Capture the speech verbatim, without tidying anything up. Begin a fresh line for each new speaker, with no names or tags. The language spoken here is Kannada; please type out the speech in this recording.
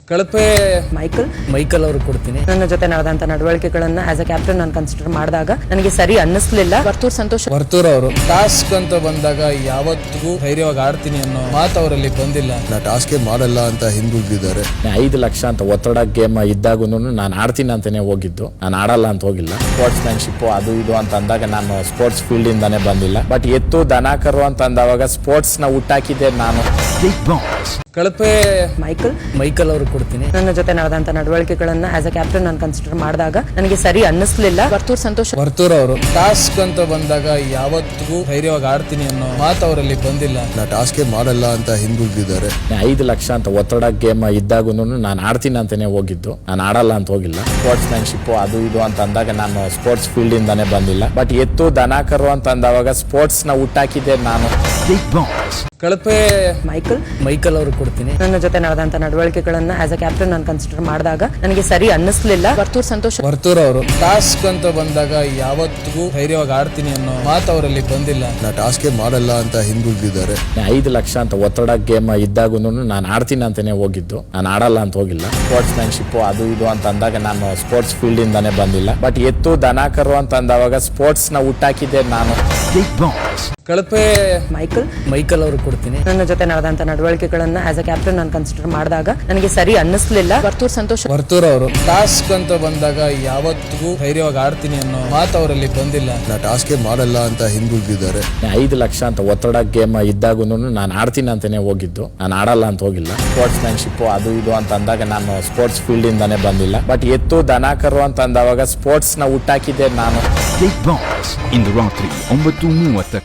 ಕಳಪೆ
ಮೈಕಲ್
ಮೈಕಲ್ ಅವರು ಕೊಡ್ತೀನಿ.
ನನ್ನ ಜೊತೆ ನಡೆದಂತ ನಡವಳಿಕೆಗಳನ್ನ ಆಸ್ ಅ ಕ್ಯಾಪ್ಟನ್ ನಾನು ಕನ್ಸಿಡರ್ ಮಾಡಿದಾಗ ನನಗೆ ಸರಿ ಅನ್ನಿಸ್ಲಿಲ್ಲ. ವರ್ತೂರ್ ಸಂತೋಷ್
ವರ್ತೂರ್ ಅವರು ಟಾಸ್ಕ್ ಅಂತ ಬಂದಾಗ ಯಾವತ್ತಿಗೂ ಧೈರ್ಯವಾಗಿ ಆಡ್ತೀನಿ ಅನ್ನೋ ಮಾತು ಅವರಲ್ಲಿ ಬಂದಿಲ್ಲ.
ನಾ ಟಾಸ್ಕ್ ಮಾಡಲ್ಲ ಅಂತ ಹಿಂದುಳಿದಿದ್ದಾರೆ.
ಐದು ಲಕ್ಷ ಅಂತ ಒತ್ತಡ ಗೇಮ್ ಇದ್ದಾಗೂ ನಾನು ಆಡ್ತೀನಿ ಅಂತಾನೆ ಹೋಗಿದ್ದು, ನಾನು ಆಡಲ್ಲ ಅಂತ ಹೋಗಿಲ್ಲ. ಸ್ಪೋರ್ಟ್ಸ್ ಮ್ಯಾನ್ಶಿಪ್ ಅದು ಇದು ಅಂತ ಅಂದಾಗ ನಾನು ಸ್ಪೋರ್ಟ್ಸ್ ಫೀಲ್ಡ್ ಇಂದಾನೆ ಬಂದಿಲ್ಲ. ಬಟ್ ಎತ್ತು ದನ ಕರು ಅಂತ ಅಂದವಾಗ ಸ್ಪೋರ್ಟ್ಸ್ ನ ಹುಟ್ಟಾಕಿದ್ದೆ ನಾನು.
ಕಳಪೆ
ಮೈಕಲ್
ಮೈಕಲ್ ಅವರು ಕೊಡ್ತೀನಿ.
ನನ್ನ ಜೊತೆ ನಡೆದಂತ ನಡವಳಿಕೆಗಳನ್ನ ಆಸ್ ಅ ಕ್ಯಾಪ್ಟನ್ ನಾನು ಕನ್ಸಿಡರ್ ಮಾಡಿದಾಗ ನನಗೆ ಸರಿ ಅನ್ನಿಸ್ಲಿಲ್ಲ. ವರ್ತೂರ್ ಸಂತೋಷ್
ವರ್ತೂರ್ ಅವರು ಟಾಸ್ಕ್ ಅಂತ ಬಂದಾಗ ಯಾವತ್ತಿಗೂ ಧೈರ್ಯವಾಗಿ ಆಡ್ತೀನಿ ಅನ್ನೋ ಮಾತು ಅವರಲ್ಲಿ ಬಂದಿಲ್ಲ.
ನಾ ಟಾಸ್ಕ್ ಮಾಡಲ್ಲ ಅಂತ ಹಿಂದುಳಿದಿದ್ದಾರೆ.
ಐದು ಲಕ್ಷ ಅಂತ ಒತ್ತಡ ಗೇಮ್ ಇದ್ದಾಗೂ ನಾನು ಆಡ್ತೀನಿ ಅಂತಾನೆ ಹೋಗಿದ್ದು, ನಾನು ಆಡಲ್ಲ ಅಂತ ಹೋಗಿಲ್ಲ. ಸ್ಪೋರ್ಟ್ಸ್ ಮ್ಯಾನ್ಶಿಪ್ ಅದು ಇದು ಅಂತ ಅಂದಾಗ ನಾನು ಸ್ಪೋರ್ಟ್ಸ್ ಫೀಲ್ಡ್ ಇಂದಾನೆ ಬಂದಿಲ್ಲ. ಬಟ್ ಎತ್ತು ದನ ಕರು ಅಂತ ಅಂದವಾಗ ಸ್ಪೋರ್ಟ್ಸ್ ನ ಹುಟ್ಟಾಕಿದ್ದೆ ನಾನು.
ಕಳಪೆ
ಮೈಕಲ್
ಮೈಕಲ್ ಅವರು ಕೊಡ್ತೀನಿ.
ನನ್ನ ಜೊತೆ ನಡೆದಂತ ನಡವಳಿಕೆಗಳನ್ನ ಆಸ್ ಅ ಕ್ಯಾಪ್ಟನ್ ನಾನು ಕನ್ಸಿಡರ್ ಮಾಡಿದಾಗ ನನಗೆ ಸರಿ ಅನ್ನಿಸ್ಲಿಲ್ಲ. ವರ್ತೂರ್ ಸಂತೋಷ್
ವರ್ತೂರ್ ಅವರು ಟಾಸ್ಕ್ ಅಂತ ಬಂದಾಗ ಯಾವತ್ತಿಗೂ ಧೈರ್ಯವಾಗಿ ಆಡ್ತೀನಿ ಅನ್ನೋ ಮಾತು ಅವರಲ್ಲಿ ಬಂದಿಲ್ಲ.
ನಾ ಟಾಸ್ಕ್ ಮಾಡಲ್ಲ ಅಂತ ಹಿಂದುಳಿದಿದ್ದಾರೆ.
ಐದು ಲಕ್ಷ ಅಂತ ಒತ್ತಡ ಗೇಮ್ ಇದ್ದಾಗೂ ನಾನು ಆಡ್ತೀನಿ ಅಂತಾನೆ ಹೋಗಿದ್ದು, ನಾನು ಆಡಲ್ಲ ಅಂತ ಹೋಗಿಲ್ಲ. ಸ್ಪೋರ್ಟ್ಸ್ ಮ್ಯಾನ್ಶಿಪ್ ಅದು ಇದು ಅಂತ ಅಂದಾಗ ನಾನು ಸ್ಪೋರ್ಟ್ಸ್ ಫೀಲ್ಡ್ ಇಂದಾನೆ ಬಂದಿಲ್ಲ. ಬಟ್ ಎತ್ತು ದನ ಕರು ಅಂತ ಅಂದವಾಗ ಸ್ಪೋರ್ಟ್ಸ್ ನ ಹುಟ್ಟಾಕಿದ್ದೆ ನಾನು.
ಕಳಪೆ
ಮೈಕಲ್
ಮೈಕಲ್ ಅವರು ಕೊಡ್ತೀನಿ.
ನನ್ನ ಜೊತೆ ನಡೆದಂತ ನಡವಳಿಕೆಗಳನ್ನ ಆಸ್ ಅ ಕ್ಯಾಪ್ಟನ್ ನಾನು ಕನ್ಸಿಡರ್ ಮಾಡಿದಾಗ ನನಗೆ ಸರಿ ಅನ್ನಿಸ್ಲಿಲ್ಲ. ವರ್ತೂರ್ ಸಂತೋಷ್
ವರ್ತೂರ್ ಅವರು ಟಾಸ್ಕ್ ಅಂತ ಬಂದಾಗ ಯಾವತ್ತಿಗೂ ಧೈರ್ಯವಾಗಿ ಆಡ್ತೀನಿ ಅನ್ನೋ ಮಾತು ಅವರಲ್ಲಿ ಬಂದಿಲ್ಲ.
ನಾ ಟಾಸ್ಕ್ ಮಾಡಲ್ಲ ಅಂತ ಹಿಂದುಳಿದಿದ್ದಾರೆ.
ಐದು ಲಕ್ಷ ಅಂತ ಒತ್ತಡ ಗೇಮ್ ಇದ್ದಾಗೂ ನಾನು ಆಡ್ತೀನಿ ಅಂತಾನೆ ಹೋಗಿದ್ದು, ನಾನು ಆಡಲ್ಲ ಅಂತ ಹೋಗಿಲ್ಲ. ಸ್ಪೋರ್ಟ್ಸ್ ಮ್ಯಾನ್ಶಿಪ್ ಅದು ಇದು ಅಂತ ಅಂದಾಗ ನಾನು ಸ್ಪೋರ್ಟ್ಸ್ ಫೀಲ್ಡ್ ಇಂದಾನೆ ಬಂದಿಲ್ಲ. ಬಟ್ ಎತ್ತು ದನ ಕರು ಅಂತ ಅಂದವಾಗ ಸ್ಪೋರ್ಟ್ಸ್ ನ ಹುಟ್ಟಾಕಿದ್ದೆ ನಾನು.
ಇಂದು ರಾತ್ರಿ ಒಂಬತ್ತು ಮೂವತ್ತಕ್ಕೆ